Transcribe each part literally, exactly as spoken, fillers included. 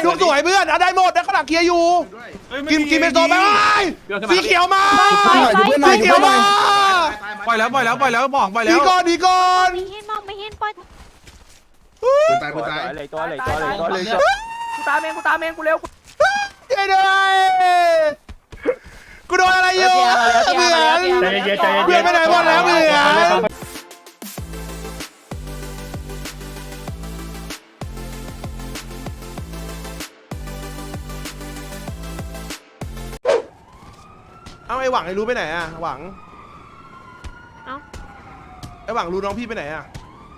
ทุกสวยเพื่อนได้หมดได้ขนาดเคลียร์อยู่กินกินเป็นโซนไปสีเขียวมาสีเขียวมาปล่อยแล้วปล่อยแล้วปล่อยแล้วบอกปล่อยแล้วดีก่อนดีก่อนไม่เห็นมองไม่เห็นปล่อยตายกูตายเลยตัวเลยตัวเลยตัวเลยกูตามเองกูตามเองกูเร็วไอ้เด้กูโดนอะไรอยู่เหมือนใจเย็นใจเย็นเพื่อนไปไหนหมดแล้วเหมือนเอาไอ้หวังไอ้รู้ไปไหนอะหวังเอ้าไอ้หวังรู้น้องพี่ไปไหนอะ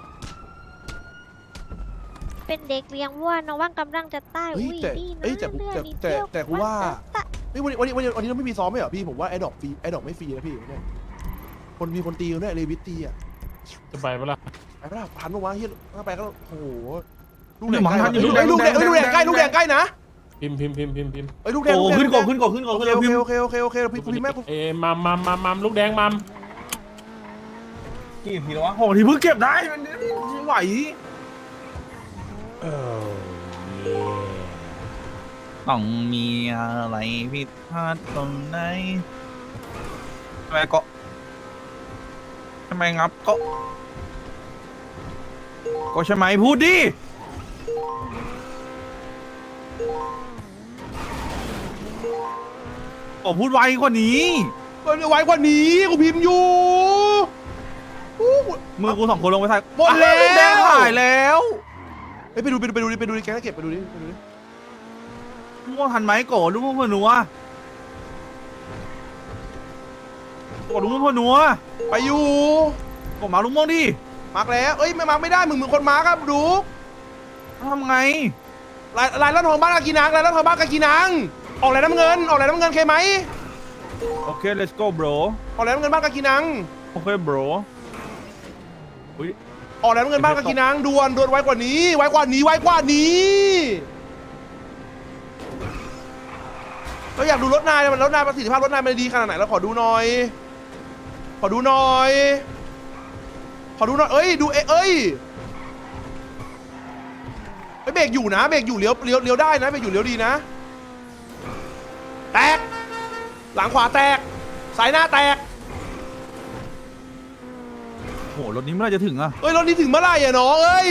เป็นเด็กเลี้ยงวัวน้องว่างกำลังจะตายเฮ้ยอุ้ยแต่ดีนะเอ้ยแต่เลือดแต่นิดแต่เดียวแต่กูว่าเฮ้ยวันนี้วันนี้วันนี้วันนี้เราไม่มีซ้อมไม่เหรอพี่ผมว่าไอ้ดอกฟรีไอ้ดอกไม่ฟรีนะพี่เนี่ยคนมีคนตีกันด้วยเลวิตตีอ่ะจะไปปะล่ะไปปะล่ะพันปะวะเฮียถ้าไปก็โอ้โหลูกหแดนึ่งงหมังใกล้ทันอยู่ลูกแดงลูกแดงลูกแดงใกล้ลูกแดงใกล้นะพิมพ์พิมพ์พิมพ์พิมพ์พิมพ์ไอ้ลูกแดงโอ้ลูกแดงขึ้นก่อนขึ้นก่อนขึ้นก่อนโอขึ้นเคก่อนโอเคโอเคโอเคโอเคพี่พี่แม่เอ้มัมมัมมัมมัมลูกแดงมัมกี่ทีแล้ววะโอ้ทีเพิ่งเก็บได้มันไม่ไหวเออต้องมีอะไรผิดพลาดตรงไหนทำไมก็ทำไมงับก็ก็ใช่ไหมพูดดิผมพูดไวกว่านี้ก็ไว้กว่านี้กูพิมพ์อยู่มือกูสองคนลงไปถ่ายหมดแล้วแดงถ่ายแล้วไปดูไปดูไปดูไปดูดิแกเก็บไปดูดิไปดูดิลูกม่วงทันไหมโกลูกม่วงพนัวโกลูกม่วงพนัวไปอยู่โกมาลูกม่วงดิมาร์กแล้วเอ้ยไม่มาร์กไม่ได้มึงมึงคนมาร์กครับดูทำไงลายลายล้านทองบ้านกากีนังลายล้านทองบ้านกากีนังออกลายน้ำเงินออกลายน้ำเงินเคไหมโอเค let's go bro ออกลายน้ำเงินบ้านกากีนังโอเค bro ออกลายน้ำเงินบ้านกากีนังด่วนด่วนไวกว่านี้ไวกว่านี้ไวกว่านี้เราอยากดูรถนายมันรถนายประสิทธิภาพรถนายมันดีขนาดไหนเราขอดูหน่อยขอดูหน่อยขอดูหน่อยเอ้ยดูเอ้ยเอ้ยเบรกอยู่นะเบรกอยู่เลี้ยวเลี้ยวเลี้ยวได้นะเบรกอยู่เลี้ยวดีนะแตกหลังขวาแตกสายหน้าแตกโหรถนี้เมื่อไหรจะถึงอะเอ้ยรถนี้ถึงเมื่อไหร่อะน้องเอ้ย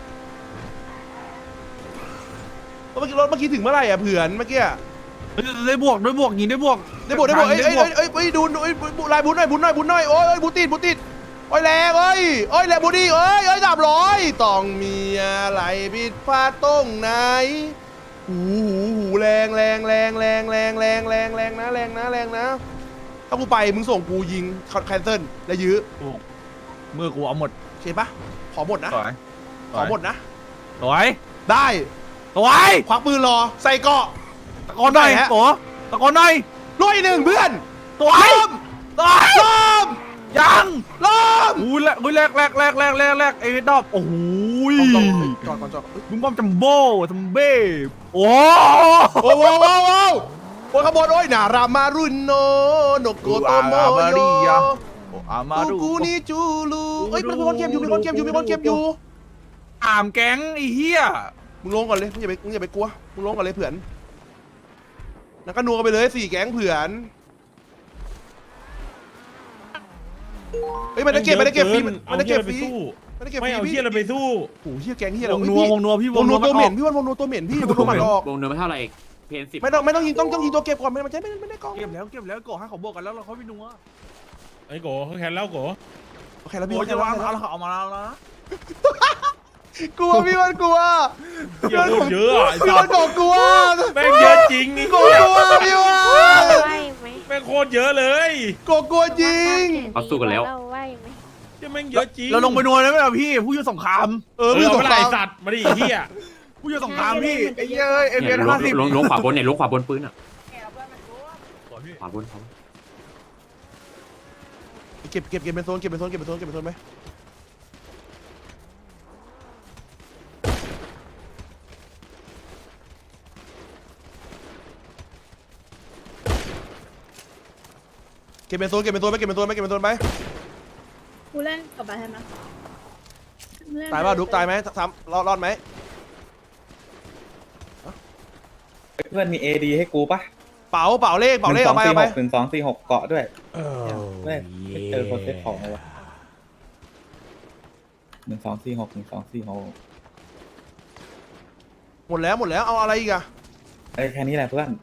รถเมื่อกี้รถเมื่อกี้ถึงเมื่อไหร่อะเผื่อนเมื่อกี้เฮ้ยได้บวกได้บวกยิงได้บวกได้บวกได้บวกเอ้ยเอ้ยเอ้ยเอ้ยเอ้ยดูเอ้ยบุลายบุญหน่อยบุญหน่อยบุญหน่อยโอ้ยเอ้ยบุติดบุติดโอ้ยแรงเอ้ยเอ้ยแรงบุดีเอ้ยเอ้ยสามร้อยต้องมีอะไรผิดพลาดตรงไหนหูหูหูแรงแรงแรงแรงแรงแรงแรงแรงนะแรงนะแรงนะถ้ากูไปมึงส่งกูยิงแคนเซิลและยื้อมือกูเอาหมดโอเคปะขอหมดนะสวยขอหมดนะสวยได้สวยควักปืนรอใส่เกาะตะโกนหน่อยได้ฮะโกตะโกนหน่อยร้อยหนึ่งเพื่อนสวยล้มสวยล้มยังล้มอู้แรกอู้แรกแรกแรกแรกแรกแรกไอ้ดอบโอ้โหจอดก่อนจอดบุ้มบอมจัมโบ้จัมเบ้โอ้โอ้โหโอ้โหโอ้โหโอ้ขบวนโอ้ยนารามารุนโนโนโกโตโมโยอามากูดูกูนี่จูลูเอ้ยมีคนเก็บอยู่มีคนเก็บอยู่มีคนเก็บอยู่อามแก๊งไอ้เหี้ยมึงลงก่อนเลยมึงอย่าไปมึงอย่าไปกลัวมึงลงก่อนเลยเผื่อนแล้วก็นัวกันไปเลยสี่แก๊งเผื่อนเฮ้ยมันจะเก็บมันจะเก็บฟรีมันจะเก็บฟรีมันจะเก็บฟไม่รีเอาพี่เที่ยอะไรไปสู้โอ้โหเฮียแก๊งเฮียวงนัววงนัวพี่วงนัวตัวเหม็นพี่ว่าวงนัวตัวเหม็นพี่วงนัวมันออกวงเดินไม่เท่าไหร่เพนสิบไม่ต้องไม่ต้องยิงต้องต้องยิงตัวเก็บก่อนไม่มันจะไม่ไม่ได้กองเก็บแล้วเก็บแล้วโกให้เขาบวกกันแล้วเราเขาไปนัวไอ้โกเขาแคนแล้วโกโอเคแล้วพี่โอ้โอเคจะแล้ววางเอาเอามาแล้วนะกลัวพี่มันกลัวเยอะเยอะไอ้พี่สัมันสกกลัวแม่งเยอะจริงนี่กกลัวพี่ว่าไหวไหมแม่งโคตรเยอะเลยกกลัวจริงเราไหวไหมที่แม่งเยอะจริงเราลงไปนัวได้ไหมล่ะพี่ผู้ยุสงครามเอเอออพี่เอาสไปงไล่ครามสัตว์มาดิเฮียผู้ยุสงครามพี่ไอ้เหี้ยเอ้ยเอ็มเนี่เอยลห้าง สิบลงลงขวาบนเนี่ยลงขวาบนปืนอ่ะขวาบนเขาเก็บเก็บเก็บเป็นโซนเก็บเป็นโซนเก็บเป็นโซนเก็บเป็นโซนไหมเก็บเป็นโซนเก็บเป็นโซนไหมเก็บเป็นโซนไหมเก็บเป็นโซนไหมกูเล่นกับบ้านนะตายป่ะดุกตายไหมซ้ำรอดรอดไหมเพื่อนมีเอดีให้กูปะเป๋าเป๋าเลขเป๋าเลขหเอาไปเอาไปนึ่งสองสี่หกเกาะด้วยเออไม่ไม่เจอคนเซ็ตของเลยวะหนึ่งสองสี่หกหนึ่งสองสี่หกหมดแล้วหมดแล้วเอาอะไรอีกอะไอ้แค่นี้แหละเพื่อน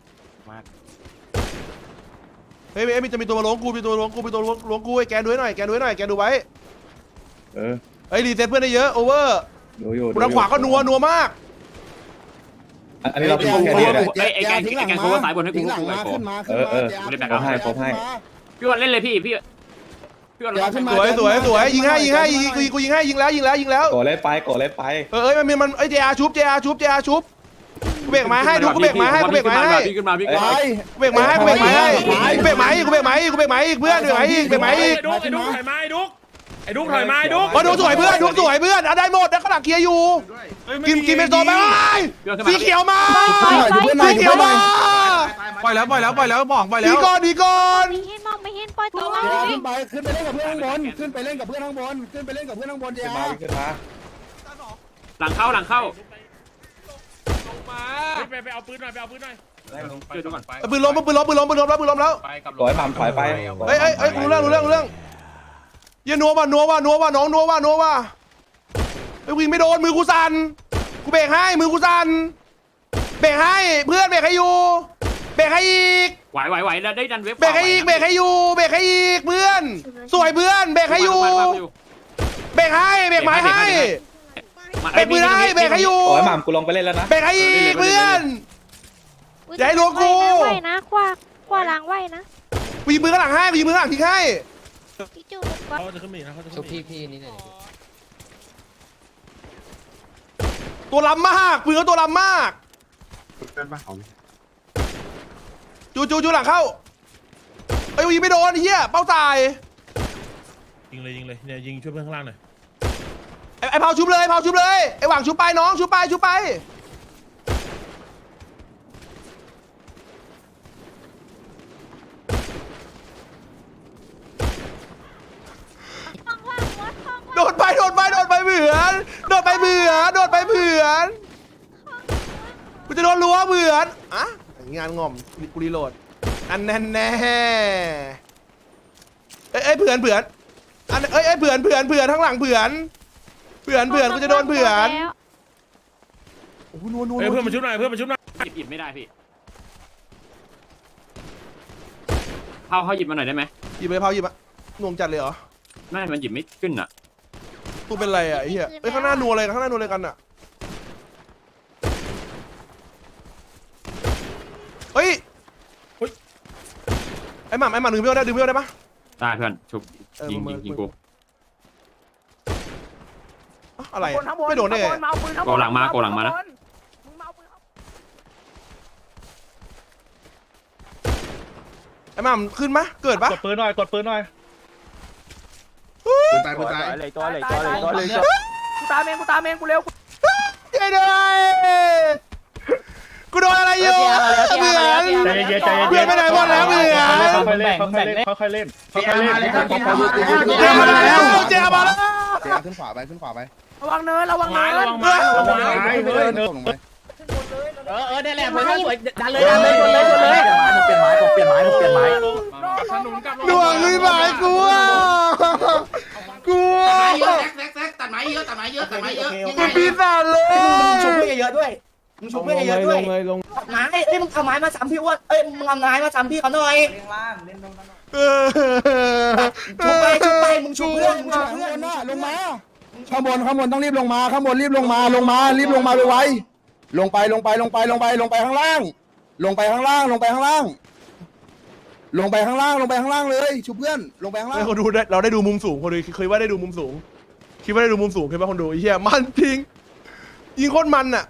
เฮ้ยเฮ้ยมีจะมีตัวมาล้วงกูมีตัวมาล้วงกูมีตัวมาล้วงกูไอ้แกดูให้หน่อยแกดูให้หน่อยแกดูไว้เออเฮ้ยรีเซ็ตเพื่อนได้เยอะโอเวอร์ดูอยู่กูทางขวาก็นัวนัวมากอันนี้เราเป็นแค่นี้เลยไอ้แกงไอ้แกงโคสายบนให้กูหลังมาขึ้นมาเออเออไม่ได้แบกโคให้โคให้พี่วันเล่นเลยพี่พี่พี่วันสวยสวยสวยยิงให้ยิงให้ยิงกูยิงกูยิงให้ยิงแล้วยิงแล้วยิงแล้วโกเล่นไปโกเล่นไปเออเอ้ยมันมีมันไอ้เจอาชุบเจอาชุบเจอาชุบกูเบรกไม้ให้ดูกูเบรกไม้ให้กูเบรกไม้ให้พี่ขึ้นมาพี่เอ้ขึ้นยมากูเบรกไม้ให้กูเบรกไม้ให้กูเบรกไม้อีกกูเบรกไม้อีกกูเบรกไม้อีกเพื่อนเบรกไม้อีกเบรกไม้อีกไอ้ดุ๊กไอ้ดุ๊กถอยมาไอ้ดุ๊กไอ้ดุ๊กถอยมาไอ้ดุ๊กมาดูสวยเพื่อนดูสวยเพื่อนเอาได้หมดแล้วข้างหลังเคลียร์อยู่กินกินเป็นโซนไปสีเขียวมาไปไปไปสีเขียวมาปล่อยแล้วปล่อยแล้วปล่อยแล้วบอกปล่อยแล้ดีวก่อนดีก่อนไม่เห็นมองไม่เห็นปล่อยตัวมาขึ้นไปขึ้นไปเล่นกับเพื่อนข้างบนขึ้นไปเล่นกับเพื่อนข้างบนขึ้นไปเล่นกับเพื่อนข้างบนเจ้ามาวิ่งขึ้นมาหลังเข้าหลังเข้าไปไปเอาปืนหน่อยไปเอาปืนหน่อยช่วยดูก่อนปืนล้มปืนล้มปืนล้มปืนล้มแล้วปืนล้มแล้วปล่อยหม่ำถอยไปเฮ้ยเฮ้ยเฮ้ยรู้เรื่องรู้เรื่องรู้เรื่องอย่านัวว่ะนัวว่ะนัวว่ะน้องนัวว่ะนัวว่ะไอ้วิ่งไม่โดนมือกูสั่นกูเบรกให้มือกูสั่นเบรกให้เพื่อนเบรกให้อยู่เบรกให้อีกไหวไหวไหวแล้วได้ดันเว็บเบรกให้อีกเบรกให้อยู่เบรกให้อีกเพื่อน สวยเพื่อนเบรกให้อยู่เบรกให้เบรกไม้ให้เบรกมือให้เบรกให้อยู่ปล่อยหม่ำกูลงไปเล่นแล้วนะเบรกให้อีกเพื่อน อย่าให้ล้วงกูไหวนะคว้าคว้าล้างไหวนะกูยิงมือข้างหลังให้กูยิงมือข้างหลังทิ้งให้พี่จูบก็เขาจะขึ้นมาอีกนะเขาจะขึ้นมาอีกตัวล้ำมากปืนเขาตัวล้ำมากจูจูจูหลังเข้าไอ้ยกูยิงไม่โดนไอ้เหี้ยเป้าตายยิงเลยยิงเลยเนี่ยยิงช่วยเพื่อนข้างล่างหน่อยไอ้ไอ้เผาชุบเลยเผาชุบเลยไอ้หวังชุบไปน้องชุบไปชุบไปโดดไปโดดไปโดดไปเหมือนโดดไปเหมือนโดดไปเหมือนกูจะโดนรั้วเหมือนอะงานงอมกูรีโหลดอันแน่แน่เอ้ยเอ้ยเผื่อนเผื่อนอันเอ้ยเอ้ยเผื่อนเผื่อนเผื่อนข้างหลังเผื่อนเผื่อนเผื่อนกูจะโดนเผื่อนโอ้โหนัวนัวเฮ้ยเพื่อนมาชุบหน่อยเพื่อนมาชุบหน่อยหยิบหยิบไม่ได้พี่เผาเขาหยิบมาหน่อยได้ไหมหยิบไปเผาหยิบอะหน่วงจัดเลยเหรอไม่มันหยิบไม่ขึ้นอ่ะตัวเป็นไรอะไอ้เหี้ยเอ้ยข้างหน้านัวอะไรข้างหน้านัวอะไรกันอะเฮ้ยไอ้หม่ำไอ้หม่ำดึงเบี้ยวได้ดึงเบี้ยวได้ปะได้เพื่อนชุบเออยิงมึยิงงมึงยิงกูอะอะไรข้างบนอะข้างบนไม่โดนได้ไงข้างบมาเอาปืนข้างบนโกหลังมาโกหลังมานะมึงมาเอาปืนไอ้หม่ำขึ้นมะเกิดปะกดปืนหน่อยกดปืนหน่อยปืนตายปืนตายเลยตัวเลยตัวเลยตัวเลยกูตามเองกูตามเองกูเร็วช่วยด้วยกูโดนอะไรอยู่เหมือนใจเย็นใจเย็นเพื่อนไปไหนหมดแล้วเหมือนค่อยๆเล่นค่อยๆเล่นค่อยๆเล่นค่อยๆเล่นเจมาแล้วเจมาแล้วเจ้าขึ้นขวาไปขึ้นขวาไประวังเนินระวังเนินระวังไม้ระวังไม้ตกลงไปเออเออเนี่ยแหละมันสวยดันเลยดันเลยชนเลยชนเลยเปลี่ยนไม้ผมเปลี่ยนไม้ผมเปลี่ยนไม้ผมเปลี่ยนไม้ขนุนกับดวงไม่หมายกูอ่ะกูอ่ะตัดไม้เยอะตัดไม้เยอะตัดไม้เยอะตัดไม้เยอะกูปีศาจเลยมึงชุบเพื่อนเยอะๆด้วย มึงชุบเพื่อนเยอะๆด้วยไม้เอ้ยมึงเอาไม้มาซ้ำพี่อ้วนเอ้ยมึงเอาไม้มาซ้ำพี่เขาหน่อยเออชุบไปชุบไปมึงชุบเพื่อนมึงชุบข้างเพื่บอนนน่ะลงมาข้างบนข้างบนต้องรีบลงมาข้างบนรีบลงมาลงมารีบลงมาไวๆลงไปลงไปลงไปลงไปลงไปข้างล่าง ลงไปข้างล่างลงไปข้างล่าง ลงไปข้างล่างลงไปข้างล่างเลยชุบเพื่อนลงไปข้างล่างเฮ้ยคนดูได้เราได้ดูมุมสูงคนดูเคยว่าได้ดูมุมสูงคิดว่าได้ดูมุมสูงเคยป่ะคนดูไอ้เหี้ยมันจริงยิงโคตรมันอ่ะ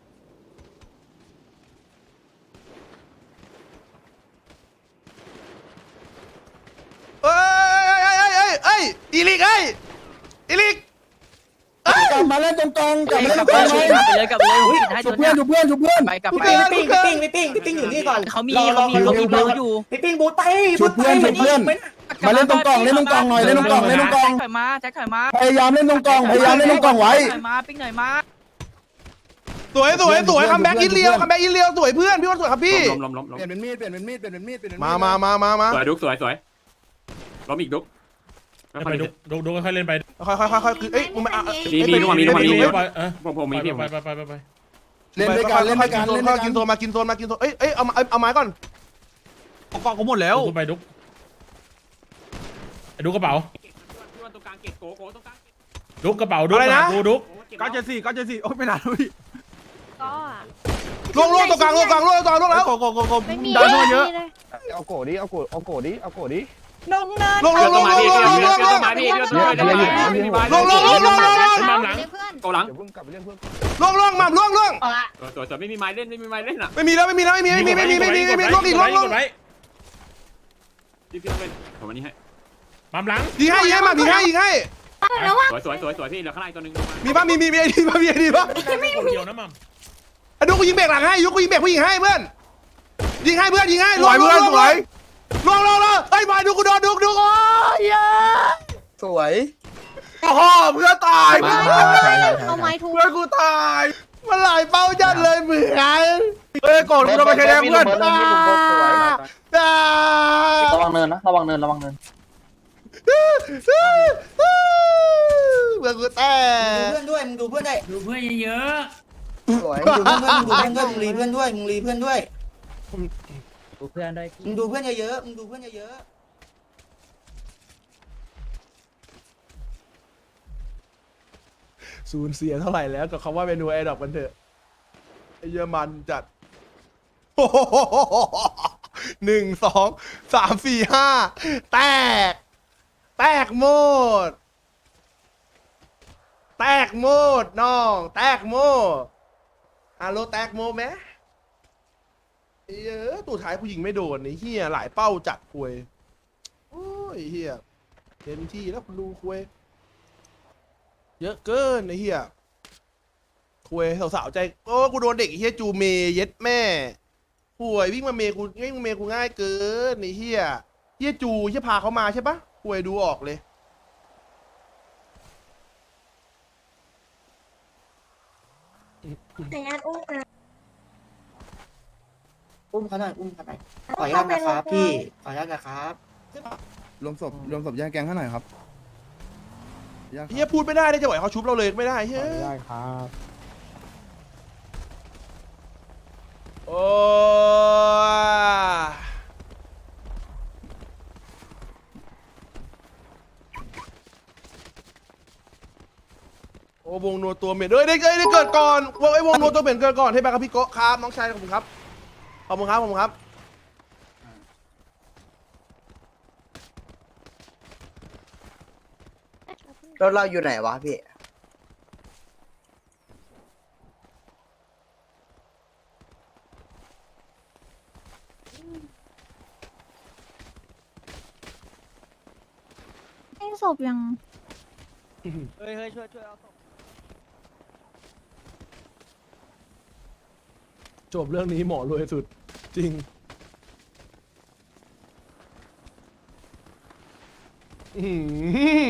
เอ้ยเอ้ยเอ้ยเอ้ยเอ้ยอีลิกเอ้ยอีลิกเอ้ยกลับมาเล่นตรงกลางกลับมาเล่นตรงกลางเลยเลยกับเลยอุ้ยชุบเพื่อนชุบเพื่อนชุบเพื่อนไปกับพี่ไปปิ้งพี่ปิ้งพี่ปิ้งพี่ปิ้งอยู่นี่ก่อนเขามีเขามีเขามีเบอร์อยู่พี่ปิ้งบูทไปชุบเพื่อนชุบเพื่อนมาเล่นตรงกลางเล่นตรงกลางหน่อยเล่นตรงกลางเล่นตรงกลางถอยมาแจ็คถอยมาพยายามเล่นตรงกลางพยายามเล่นตรงกลางไว้ถอยมาปิ้งหน่อยมาสสวยสวยสวยคัมแบ็กอินเลียวคัมแบ็กอินเลียวสวยเพื่อนพี่ว่าสวยครับพี่ล้มล้มล้มล้มเปลี่ยนเป็นมีดเปลี่ยนเป็นมีดเปลี่ยนเป็นมีดเปลี่ยนเป็นมีดมามามามามาสวยดุกสวยสวยล้มอีกดุกไปดุกดุกดุกค่อยเล่นไปค่อยค่อยค่อยค่อยคือเอ้ยมึงมามีมีนุ่มมีนุ่มมีไปนุ่มไปเออผมผมมีพี่ผมไปไปไปไปไปเล่นด้วยกันเล่นด้วยกันเล่นด้วยกิกัน นโซนมากินโซนมากินโซนเอ้ยเอ้ยเอาเอาไม้ก่อนกองกูหมดแล้วดุกไปดุกดุกกระเป๋าตรงกลางเก็บโกโกตรงกลางดุกกระเป๋าดุกดูดุกเก้าเจ็ดสี่เก้าเจ็ดสี่โอ้ยไม่นานแล้วพี่ก็อะล่วงล่วงตรงกลางล่วงกลางล่วงตรงกลางล่วงแล้วโกโกโกโกไม่มีดันเข้ามาเยอะเลยเอาโกดิเอาโกเอาโกดิเอาโกดิล่วงล่วงล่วงล่วงล่วงล่วงล่วงล่วงล่วงล่วงล่วงล่วงหลังโกหลังเดี๋ยวเพิ่งกลับไปเรื่องเพื่อนล่วงล่วงมาล่วงล่วงสวยสวยไม่มีไม้เล่นไม่มีไม้เล่นอ่ะไม่มีแล้วไม่มีแล้วไม่มีไม่มีไม่มีไม่มีไม่มีล่วงอีกล่วงล่วงพี่พี่เล่นผมอันนี้ให้ปั๊มหลังยิงให้ยิงให้มายิงให้ยิงให้สวยสวยสวยสวยพี่เหลือข้างในตัวนึงมีป่ะมีมีมีไอดีป่ะมีไอดีป่ะคนเดียวนะมัมไอ้ดูกูยิงเบรกหลังให้ยุกูยิงเบรกผู้หญิงให้เพื่อนยิงให้เพื่อนยิงให้สวยเพื่อนสวยล่วงล่วงล่วงไอ้มาดูกูโดนดูดูโอ้ยสวยโอ้โหเพื่อนตายมามาใช่ใช่เอาไม้ทุบเพื่อนกูตายมันหลายเป้าจัดเลยเหมือนเอ้ยก่อนกูโดนไปใช้แดงเพื่อนอ่าระวังเนินนะระวังเนินระวังเนินเบื่อกูแต่ดูเพื่อนด้วยมึงดูเพื่อนได้ดูเพื่อนเยอะสวยมึงดูเพื่อนมึงดูเพื่อนด้วยมึงรีเพื่อนด้วยมึงรีเพื่อนด้วยดูเพื่อนด้วยมึงดูเพื่อนเยอะๆมึงดูเพื่อนเยอะสูญเสียเท่าไหร่แล้วกับคำว่าเมนูไอดอกกันเถอะไอเยอรมันจัดหนึ่งสองสามสี่ห้าแตก แตกหมด แตกหมดน้อง แตกหมดฮัลโหลแตกหมดไหมเออตัวท้ายผู้หญิงไม่โดนไอ้เฮียหลายเป้าจัดคุยโอ้ยเฮียเต็มที่แล้วคุณดูคุยเยอะเกินไอ้เฮียคุยสาวๆใจโอ้กูโดนเด็กไอ้เฮียจูเมเย็ดแม่ป่วยวิ่งมาเมกูวิ่งมาเมกูง่ายเกินไอ้เฮียเฮียจูเฮียพาเขามาใช่ปะคุยดูออกเลยแต่ยันอุ้มนะๆอุ้มเขาหน่อยอุ้มเขาหน่อยขออนุญาตนะครับพี่ขออนุญาตนะครับรวมศพรวมศพแยกแกงให้หน่อยครับแยกเฮียพูดไม่ได้ได้จะไหวเขาชุบเราเลยไม่ได้เฮ้ยได้ครับโอ้โอ้วงนัวตัวเหม็นเอ้ยได้เอ้ยได้เกิดก่อนวงไอ้วงนัวตัวเหม็นเกิดก่อนให้ไปครับพี่โกะครับน้องชายขอบคุณครับขอบคุณครับขอบคุณครับรถเราอยู่ไหนวะพี่ให้ศพยังเฮ้ยเฮ้ยช่วยช่วยเอาจบเรื่องนี้หมอรวยสุดจริงอืม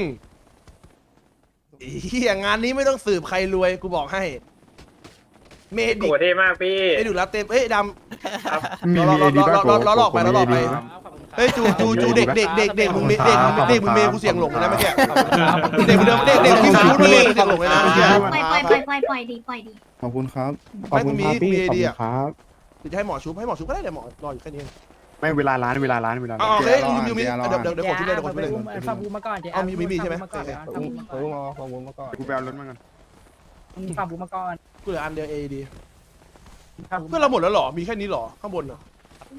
เฮียงานนี้ไม่ต้องสืบใครรวยกูบอกให้ เมดิโกรธมากพี่ไอ้ดูแล้วเต็มเอ้ยดำล้อล้อล้อล้อล้อหลอกไปล้อหลอกไปเฮ้ยจูจูจูเด็กเด็กเด็กเด็กมึงเด็กเด็กเด็กมึงเมย์กูเสียงหลงเลยนะเมื่อกี้เด็กมึงเดิมเด็กเด็กที่มึงพูดเมย์กูเสียงหลงเลยนะเมื่อกี้ปล่อยปล่อยปล่อยปล่อยปล่อยดีปล่อยดีขอบคุณครับไม่กูมีมีไอเดียจะให้หมอชุบให้หมอชุบก็ได้เดี๋ยวหมอรออยู่แค่นี้ไม่เวลาร้านเวลาร้านเวลาอ๋อโอเคยูมีเดี๋ยวเดี๋ยวเดี๋ยวกดชุบเลยเดี๋ยวกดชุบเลยฟังบูมาก่อนเจ๊เอามีมีมีใช่ไหมฟังบูมาก่อนขอบคุณมาก่อนกูไปเอารถมาก่อนฟังบูมาก่อนกูเหลืออันเดียวเอดีเพื่อนเราหมดแล้วหรอมีแค่นี้หรอข้างบนอ่ะ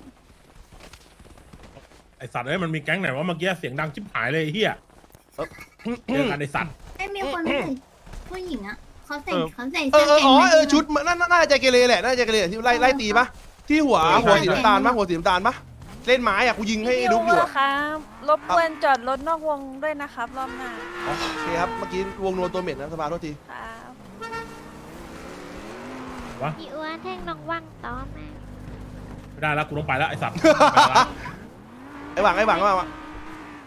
ไอสัตว์เอ้ยมันมีแก๊งไหนวะเมื่อกี้เสียงดังชิบหายเลยไอ้เฮียเจอกันไอสัตว์ไม่มีคนใส่ผู้หญิงอ่ะเขาใส่เขาใส่เอเสื้ออเออแขนอ๋อเออชุดน่าน่าจะเกเรแหละน่าจะเกเรที่ไล่ไล่ตีปะที่หัวหัวสีน้ำตาลปะหัวสีน้ำตาลปะเล่นไม้อ่ะกูยิงให้ดุ๊กอยู่ครับรบกวนจอดรถนอกวงด้วยนะครับรอบหน้าโอเคครับเมื่อกี้วงนัวตัวเหม็นนะสภาโทษทีครับพี่อ้วนแท่งน้องว่างต่อมาไม่ได้แล้วกูต้องไปแล้วไอสัตว์ไอ้หวังไอ้หวังว่า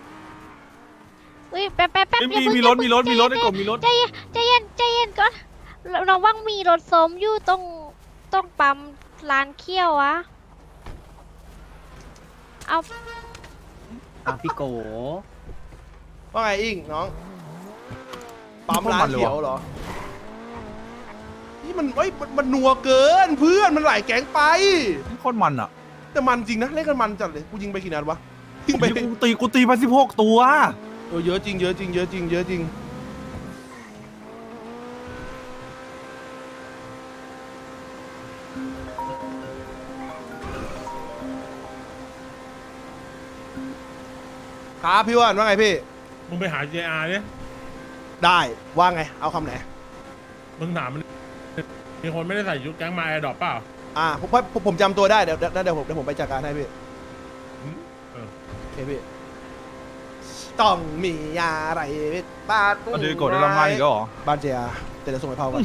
อุ้ยแป๊บแป๊บแป๊บมีมีรถมีรถมีรถไอ้กบมีรถใจเย็นใจเย็นใจเย็นก่อนเราว่างมีรถส้มอยู่ตรงตรงปั๊มร้านเคี่ยวอะเอาอ่ะพี่โกว่าไงอิงน้องปั๊มร้านเขียวเหรอนี่มันเอ้ยมันมันนัวเกินเพื่อนมันหลายแก๊งไปโคตรมันอ่ะแต่มันจริงนะเล่นกันมันจัดเลยกูยิงไปกี่นัดวะยิงไปกูตีกูตีไปสิบหกตัวเออเยอะจริงเยอะจริงเยอะจริงเยอะจริงครับพี่อ้วันว่าไงพี่มึงไปหา เจ อาร์ เนี่ยได้ว่าไงเอาคำไหนมึงถามมันมีคนไม่ได้ใส่ชุดแก๊งมาแอร์ดรอปเปล่าอ่าผมผมผมจำตัวได้เดี๋ยวเดี๋ยวเดี๋ยวผมเดี๋ยวผมไปจัดการให้พี่เออโอเคพี่ต้องมีอะไรบ้านก็ดีกดได้รางวัลอีกแล้วเหรอบ้านเจียแต่เดี๋ยวส่งไปเผาก่อน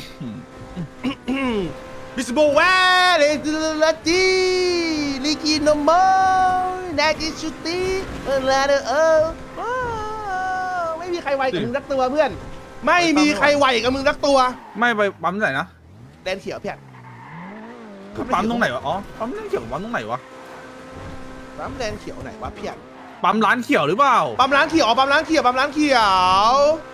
บิสโบแวร์เลลาจีลิกิโนโมนากิชุติเออลาเดอเออไม่มีใครไหวกับมึงรักตัวเพื่อน ไม่มีใครไหวกับมึงรักตัวไม่ไปปั๊มไหนนะแดนเขียวเพี้ยนปั๊มตรงไหนวะอ๋อปั๊มร้านเขียวปั๊มตรงไหนวะปั๊มแดนเขียวไหนวะเพี้ยนปั๊มร้านเขียวหรือเปล่าปั๊มร้านเขียวปั๊มร้านเขียวปั๊มร้านเขียว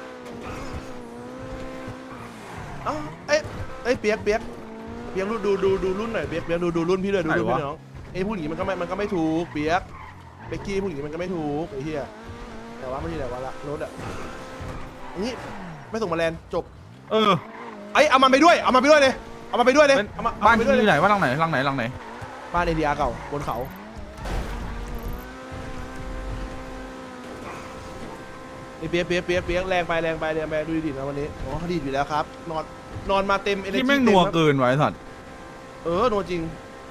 เอ้าเอ้ยเอ้ยเปียกเปียกเปียกดูดูดูดูรุ่นหน่อยเปียกเปียกดูดูรุ่นพี่เลยดูรุ่นพี่น้องไอ้พูดอย่างนี้มันก็ไม่มันก็ไม่ถูกเปียกเบกกี้พูดอย่างนี้มันก็ไม่ถูกไอ้เหี้ยแต่ว่าไม่ใช่แต่ว่าละรถอะอย่างนี้ไม่ส่งมาแลนจบเออไอ้เอามันไปด้วยเอามันไปด้วยเลยเอามันไปด้วยเลยเอามาเอาบ้านไปที่ด้วยอเลยยู่ไหนว่าหลังไหนหลังไหนหลังไหนบ้านเอดีอาร์เก่าบนเขาไอ้เปียกเปียกเปียกเปียกแรงไปแรงไปแรงไปดูดินะวันนี้อ๋อดีอยู่แล้วครับนอนนอนมาเต็ม energy ที่แม่งนัวเกินไว้สัตว์เออนัวจริง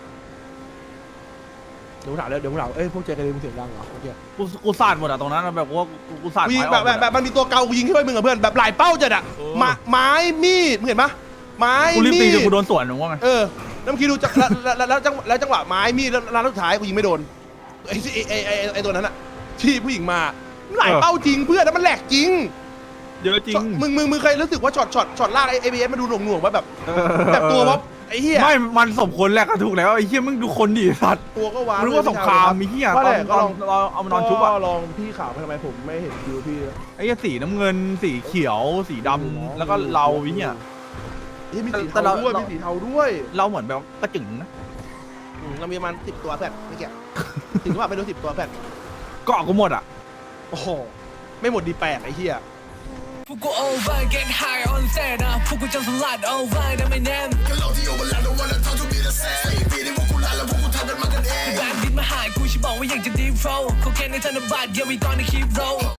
เดี๋ยวผมถามแล้วเดี๋ยวผมถามเอ้ยพวกเจกันเลยมึงเสียงดังเหรอเมื่อกี้กูกูสาดหมดอะตรงนั้นอะแบบว่ากูกูสาดกูยิงไม้อแบอบ กแบบแบบมันมีตัวเกากูยิงขึ้นไปมึงกับเพื่อนแบบหลายเป้าจัดอะเออไม้ไม้มีดมึงเห็นปะไม้กูรีบมีตีดจนกูโดนสวนหนูว่าไงเออแล้วเมื่อกี้ดูจังแล้วแล้วแล้วจังแล้วจังหวะไม้มีดแล้วแล้วสุดท้ายกูยิงไม่โดนไอ้ไอ้ไอ้ไอ้ไอ้ตัวนั้นอะที่ผู้หญิงมาหลายเป้าจริงเพื่อนแล้วมันแหลกจริงเยอะจริงมึงมึงมึงเคยรู้สึกว่าช็อตช็อตช็อตลากไอ้ไอบีเอสมาดูหน่วงหน่วงว่าแบบแบบตัวว่าไอ้เหี้ยไม่มันสมควรแหละก็ถูกแล้วไอ้เหี้ยมึงดูคนดิสัตว์ตัวก็ว้าวรู้ว่าสงครามมีเหี้ยว่าตอแหนละตก็อนลองเราเอามานอนชุบอะก็ลองพี่ข่าวไปทำไมผมไม่เห็นดูพี่ไอ้เหี้ยสีน้ำเงินสีเขียวสีดำแล้วก็เราไอ้เหี้ยเฮ้ยมีสีแต่เทาเราด้วยเรามีสีเทาด้วยเราเหมือนแบบกระจึงนะอืมเรามีประมาณสิบตัวเพื่อนไม่เกี่ยวถึงว่าไม่รู้สิบตัวเพื่อนเกาะกูหมดอะโอ้โหไม่หมดดีแปลกไอ้เหี้ยพวกกู over get high on set นะพวกกูจำสลัด over ได้ไม่แน่นก็เราที่ over แล้ว don't wanna talk to me the same ปีนี้พวกกูลาแล้วพวกกูทำกันมากันเองแบงค์ดินมาหายกูชิบอกว่าอยากจะ deep flow เขาแค่ในธนบัตร yeah we gonna keep roll